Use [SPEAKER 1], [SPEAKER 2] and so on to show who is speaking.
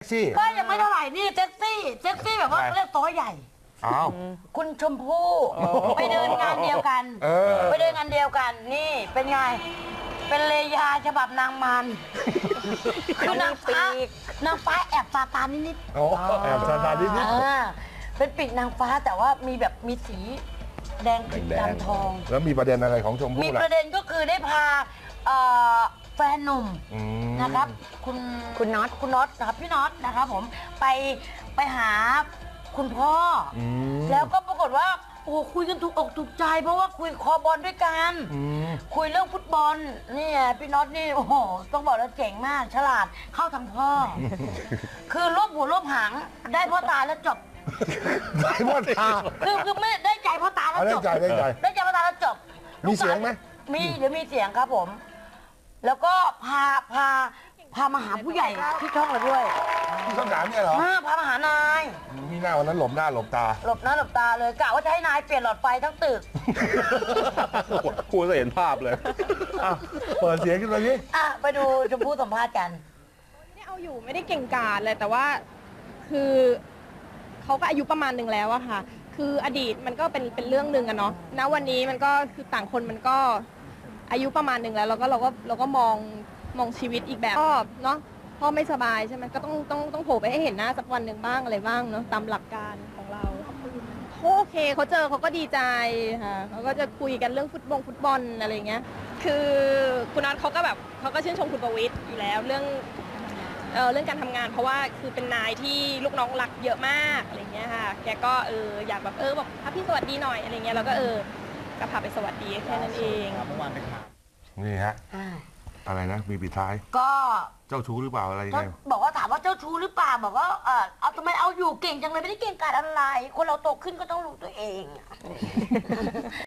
[SPEAKER 1] ซี่
[SPEAKER 2] ก็ยังไม่เท่าไหร่นี่เซ็กซี่แบบว่าเรียกตัวใหญ่
[SPEAKER 1] อ้าว
[SPEAKER 2] คุณชมพู่ไปเดินงานเดียวกันไปเดินงานเดียวกันนี่เป็นไงเป็นเลยาฉบับนางมันคือนางฟ้าแอบซาตานนิด
[SPEAKER 1] โอ้แอบซาตานนิด
[SPEAKER 2] เป็นปีกนางฟ้าแต่ว่ามีแบบมีสีแดงดำทอง
[SPEAKER 1] แล้วมีประเด็นอะไรของชม
[SPEAKER 2] มี
[SPEAKER 1] พู่ล่ะ
[SPEAKER 2] ประเด็นก็คือได้พาแฟนหนุ่มนะครับคุณน็อตนะครับพี่น็อตนะครับผมไปหาคุณพ่ออแล้วก็ปรากฏว่าโอ้คุยกันถูกอกถูกใจ เพราะว่าคุยคอบอลด้วยกันคุยเรื่องฟุตบอลนี่พี่น็อตนี่โอ้โหต้องบอกแล้วเจ๋งมากฉลาดเข้าทางพ่อ คือรวบหัวรวบหางได้พ่อตาแล้วจบ
[SPEAKER 1] ได้พ่อตา
[SPEAKER 2] คือไม่ได้ใจพ่อตาแล้วจบ
[SPEAKER 1] ได้ใจ
[SPEAKER 2] ได้ใจพ่อตาแล้วจบ
[SPEAKER 1] มีเสียงไหม
[SPEAKER 2] มีเดี๋ยวมีเสียงครับผม แล้วก็พามาหาผู้ใหญ่ที่ช่องเราด้วย
[SPEAKER 1] ที่ช่องสามเนี่ยเหรอ
[SPEAKER 2] พามาหานาย
[SPEAKER 1] มีหน้าวันนั้นหลบหน้าหลบตา
[SPEAKER 2] หลบหน้าหลบตาเลยกะว่าจะให้นายเปลี่ยนหลอดไฟทั้งตึก
[SPEAKER 3] ครูจะเห็นภาพเลย
[SPEAKER 1] เปิดเสียงขึ้นมาสิ
[SPEAKER 2] ไปดูชมพู่สัมภาษณ์กัน
[SPEAKER 4] ไม่เอาอยู่ไม่ได้เก่งกาจเลยแต่ว่าคือเขาก็อายุประมาณหนึ่งแล้วอะค่ะ คืออดีตมันก็เป็นเรื่องหนึ่งอะเนาะณวันนี้มันก็คือต่างคนมันก็อายุประมาณหนึ่งแล้วเราก็มองชีวิตอีกแบบก็เนาะพ่อไม่สบายใช่ไหมก็ต้องโผล่ไปให้เห็นหน้าสักวันหนึ่งบ้างอะไรบ้างเนาะตามหลักการของเราโอเคเขาเจอเขาก็ดีใจค่ะเขาก็จะคุยกันเรื่องฟุตบอลอะไรเงี้ยคือคุณน็อตเขาก็ชื่นชมคุณประวิตรอยู่แล้วเรื่องการทำงานเพราะว่าคือเป็นนายที่ลูกน้องรักเยอะมากอะไรเงี้ยค่ะแกก็อยากแบบบอกพี่สวัสดีหน่อยอะไรเงี้ยแล้วก็ก็พาไปสวัสดีแค่นั้นเองเมื่อวานเป็นข่าว
[SPEAKER 1] นี่ฮะอะไรนะมีปิดท้าย
[SPEAKER 2] ก็
[SPEAKER 1] เจ้าชู้หรือเปล่าอะไรยังไง
[SPEAKER 2] บอกว่าถามว่าเจ้าชู้หรือเปล่าบอกว่าเอาทำไมเอาอยู่เก่งจังเลยไม่ได้เก่งกาจอะไร คนเราโตขึ้นก็ต้องรู้ตัวเอง